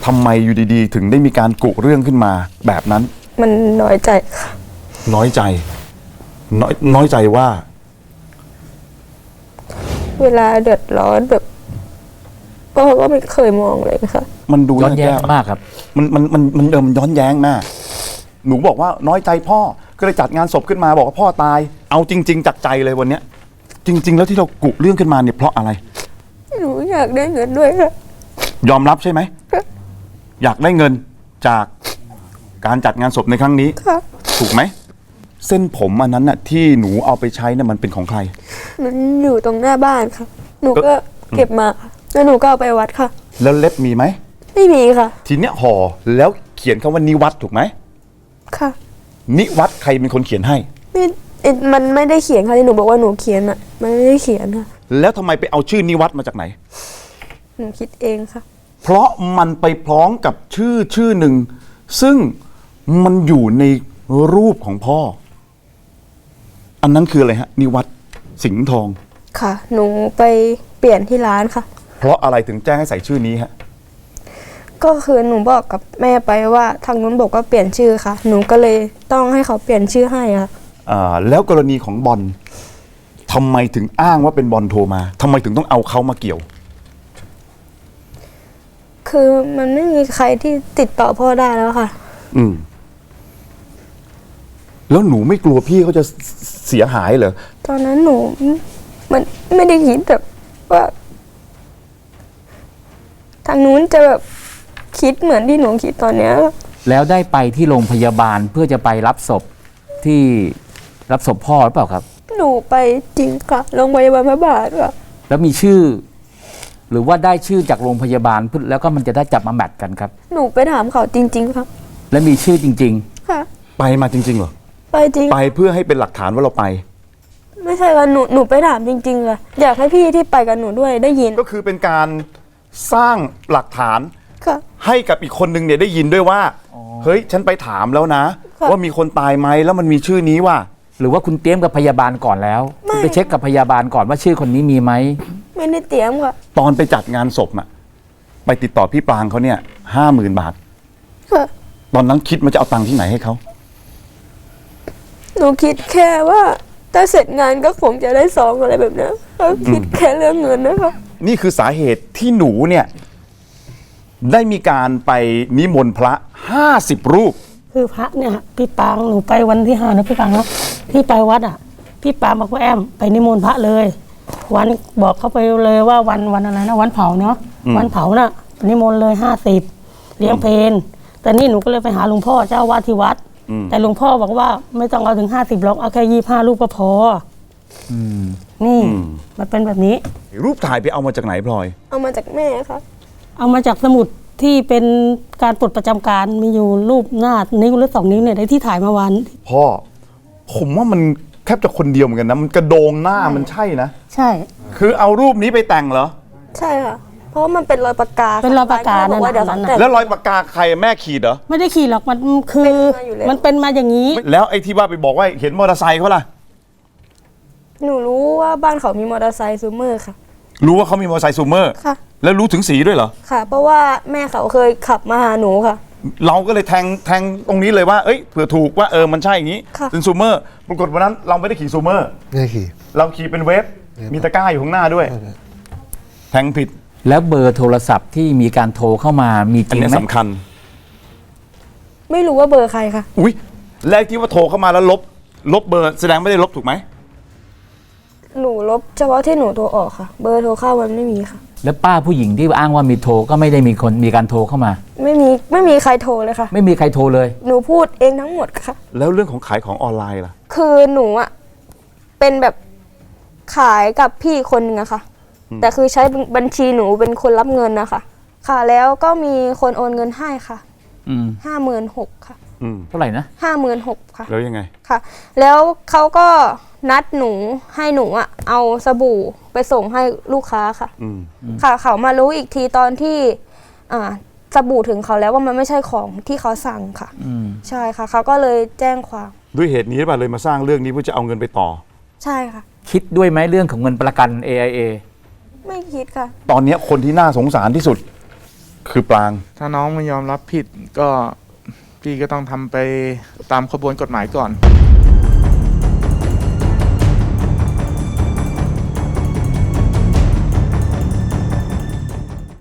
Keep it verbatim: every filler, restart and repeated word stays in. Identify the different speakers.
Speaker 1: ทำไมอยู่ดีๆถึงได้มีการกุเรื่องขึ้นมาแบบนั้น
Speaker 2: มันน้อยใจค่ะ
Speaker 1: น้อยใจน้อยน้อยใจว่า
Speaker 2: เวลาเดือดร้อนแบบพ่อก็ไม่เคยมองเลยค่ะ
Speaker 1: มันดู
Speaker 3: ย้อนแย้งมากครับ
Speaker 1: มันมันมันมันเดิมมันย้อนแย้งแม่หนูบอกว่าน้อยใจพ่อก็เลยจัดงานศพขึ้นมาบอกว่าพ่อตายเอาจริงๆจากใจเลยวันเนี้ยจริงๆแล้วที่เรากุเรื่องขึ้นมาเนี่ยเพราะอะไร
Speaker 2: หนูอยากได้เงินด้วยค่ะ
Speaker 1: ยอมรับใช่ไหมอยากได้เงินจากการจัดงานศพในครั้งนี้ถูกไหมเส้นผมอันนั้นน่ะที่หนูเอาไปใช้น่ะมันเป็นของใคร
Speaker 2: มันอยู่ตรงหน้าบ้านค่ะหนูก็เก็บมาค่ะแล้วหนูก็เอาไปวัดค่ะ
Speaker 1: แล้วเล็บมีไหม
Speaker 2: ไม่มีค่ะ
Speaker 1: ทีเนี้ยห่อแล้วเขียนคำว่านิวัตถูกไหม
Speaker 2: ค่ะ
Speaker 1: นิวัตใครเป็นคนเขียนให้
Speaker 2: ไม่มันไม่ได้เขียนค่ะที่หนูบอกว่าหนูเขียนอ่ะมันไม่ได้เขียนค่ะ
Speaker 1: แล้วทำไมไปเอาชื่อนิวัตมาจากไหน
Speaker 2: หนูคิดเองค่ะ
Speaker 1: เพราะมันไปพร้อมกับชื่อชื่อหนึ่งซึ่งมันอยู่ในรูปของพ่ออันนั้นคืออะไรฮะนิวัตสิงห์ทอง
Speaker 2: ค่ะหนูไปเปลี่ยนที่ร้านค่ะ
Speaker 1: เพราะอะไรถึงแจ้งให้ใส่ชื่อนี้ฮะ
Speaker 2: ก็คือหนูบอกกับแม่ไปว่าทางนู้นบอกว่าเปลี่ยนชื่อค่ะหนูก็เลยต้องให้เขาเปลี่ยนชื่อให้ค่ะ
Speaker 1: อ่าแล้วกรณีของบอลทำไมถึงอ้างว่าเป็นบอลโทรมาทำไมถึงต้องเอาเขามาเกี่ยว
Speaker 2: คือมันไม่มีใครที่ติดต่อพ่อได้แล้วค่ะ
Speaker 1: อืมแล้วหนูไม่กลัวพี่เขาจะเสียหายเหรอ
Speaker 2: ตอนนั้นหนูมันไม่ได้คิดแบบว่าทางนู้นจะแบบคิดเหมือนที่หนูคิดตอนเนี้ย
Speaker 3: แล้วได้ไปที่โรงพยาบาลเพื่อจะไปรับศพที่รับศพพ่อหรือเปล่าครับ
Speaker 2: หนูไปจริงค่ะโรงพยาบาลพระบาทค่ะ
Speaker 3: แล้วมีชื่อหรือว่าได้ชื่อจากโรงพยาบาลแล้วก็มันจะได้จับมาแมทกันครับ
Speaker 2: หนูไปถามเขาจริงๆค่ะ
Speaker 3: และมีชื่อจริง
Speaker 2: ๆค่ะ
Speaker 1: ไปมาจริงๆเหรอ
Speaker 2: ไปจริง
Speaker 1: ไปเพื่อให้เป็นหลักฐานว่าเราไป
Speaker 2: ไม่ใช่ค่ะหนูหนูไปถามจริงๆค่ะอยากให้พี่ที่ไปกับหนูด้วยได้ยิน
Speaker 1: ก็คือเป็นการสร้างหลักฐานให้กับอีกคนนึงเนี่ยได้ยินด้วยว่าเฮ้ยฉันไปถามแล้วนะว่ามีคนตายไหมแล้วมันมีชื่อนี้ว่า
Speaker 3: หรือว่าคุณเตรียมกับพยาบาลก่อนแล้วคุณไปเช็คกับพยาบาลก่อนว่าชื่อคนนี้มีไหม
Speaker 2: ไม่ได้เตรียมค่ะ
Speaker 1: ตอนไปจัดงานศพน่ะไปติดต่อพี่ปรางเขาเนี่ยห้าหมื่นบาทตอนนั้นคิดมันจะเอาตังค์ที่ไหนให้เขา
Speaker 2: หนูคิดแค่ว่าถ้าเสร็จงานก็คงจะได้ซองอะไรแบบนี้เขาคิดแค่เรื่องเงินนะคะ
Speaker 1: นี่คือสาเหตุที่หนูเนี่ยได้มีการไปนิมนต์พระห้าสิบรูป
Speaker 4: คือพระเนี่ยพี่ปางหนูไปวันที่ห้านะพี่ปางนะพี่ไปวัดอ่ะพี่ปางบอกว่าแอมไปนิมนต์พระเลยวันบอกเขาไปเลยว่าวันวันอะไรนะวันเผาเนาะวันเผาน่ะนิมนต์เลยห้าสิบเลี้ยงเพลแต่นี่หนูก็เลยไปหาหลวงพ่อเจ้าวาดที่วัดแต่หลวงพ่อบอกว่าไม่ต้องเอาถึงห้าสิบหรอกเอาแค่ยี่ห้ารูปก็พอนี่มันเป็นแบบนี้
Speaker 1: รูปถ่ายไปเอามาจากไหนพลอย
Speaker 2: เอามาจากแม่ค่ะ
Speaker 4: เอามาจากสมุดที่เป็นการปลดประจำการมีอยู่รูปหน้านิ้วหรือสองนิ้วเนี่ยที่ถ่ายมาวัน
Speaker 1: พ่อผมว่ามันแทบจะคนเดียวเหมือนกันนะมันกระโดงหน้ามันใช่นะ
Speaker 4: ใช่
Speaker 1: คือเอารูปนี้ไปแต่งเหรอ
Speaker 2: ใช่ค่ะเพราะมันเป็นรอยปากกา
Speaker 4: เป็นรอยปากกานั่น
Speaker 1: นะแล้วรอยปากกาใครแม่ขีดเหรอ
Speaker 4: ไม่ได้ขีดหรอกมันคือมันเป็นมาอย่างนี้
Speaker 1: แล้วไอ้ที่ว่าไปบอกว่าเห็นมอเตอร์ไซค์เขาล่ะ
Speaker 2: หนูรู้ว่าบ้านเขามีมอเตอร์ไซค์ซูเมอร์ค่ะ
Speaker 1: รู้ว่าเขามีมอเตอร์ไซค์ซูเมอร์
Speaker 2: ค่ะ
Speaker 1: แล้วรู้ถึงสีด้วยเหรอ
Speaker 2: ค่ะเพราะว่าแม่เขาเคยขับมาหาหนูค่ะ
Speaker 1: เราก็เลยแทงแทงตรงนี้เลยว่าเอ้ยเผื่อถูกว่าเออมันใช่อย่างนี้เป็นซูเมอร์ปรากฏวันนั้นเราไม่ได้ขี่ซูเมอร์
Speaker 5: ไม่ได้ขี่
Speaker 1: เราขี่เป็นเวฟมีตะกร้าอยู่ข้างหน้าด้วยแทงผิด
Speaker 3: แล้วเบอร์โทรศัพท์ที่มีการโทรเข้ามามีจริงไหม
Speaker 1: สำคัญ
Speaker 2: ไม่รู้ว่าเบอร์ใครค่ะ
Speaker 1: อุ้ยแรกที่ว่าโทรเข้ามาแล้วลบลบเบอร์แสดงไม่ได้ลบถูกไหม
Speaker 2: หนูลบเฉพาะที่หนูโทรออกค่ะเบอร์โทรเข้ามันไม่มีค่ะ
Speaker 3: แล้วป้าผู้หญิงที่อ้างว่ามีโทรก็ไม่ได้มีคนมีการโทรเข้ามา
Speaker 2: ไม่มีไม่มีใครโทรเลยค่ะ
Speaker 3: ไม่มีใครโทรเลย
Speaker 2: หนูพูดเองทั้งหมดค่ะ
Speaker 1: แล้วเรื่องของขายของออนไลน์ล่ะ
Speaker 2: คือหนูอ่ะเป็นแบบขายกับพี่คนนึงอะค่ะแต่คือใช้บัญชีหนูเป็นคนรับเงินนะคะค่ะแล้วก็มีคนโอนเงินให้ค่ะห้าหมื่นหกค่ะ
Speaker 3: เท่าไหร่นะ
Speaker 2: ห้าหมื่นหกค่ะ
Speaker 1: แล้วยังไง
Speaker 2: ค่ะแล้วเขาก็นัดหนูให้หนูอะเอาสบู่ไปส่งให้ลูกค้าค่ะค่ะเขามารู้อีกทีตอนที่อ่าสบู่ถึงเขาแล้วว่ามันไม่ใช่ของที่เขาสั่งค่ะใช่ค่ะเขาก็เลยแจ้งความ
Speaker 1: ด้วยเหตุนี้หรือเปล่าเลยมาสร้างเรื่องนี้เพื่อจะเอาเงินไปต่อ
Speaker 2: ใช่ค่ะ
Speaker 3: คิดด้วยไหมเรื่องของเงินประกัน เอ ไอ เอ
Speaker 2: ไม่คิดค่ะ
Speaker 1: ตอนนี้คนที่น่าสงสารที่สุดคือปราง
Speaker 5: ถ้าน้องไม่ยอมรับผิดก็พี่ก็ต้องทำไปตามขบวนกฎหมายก่อน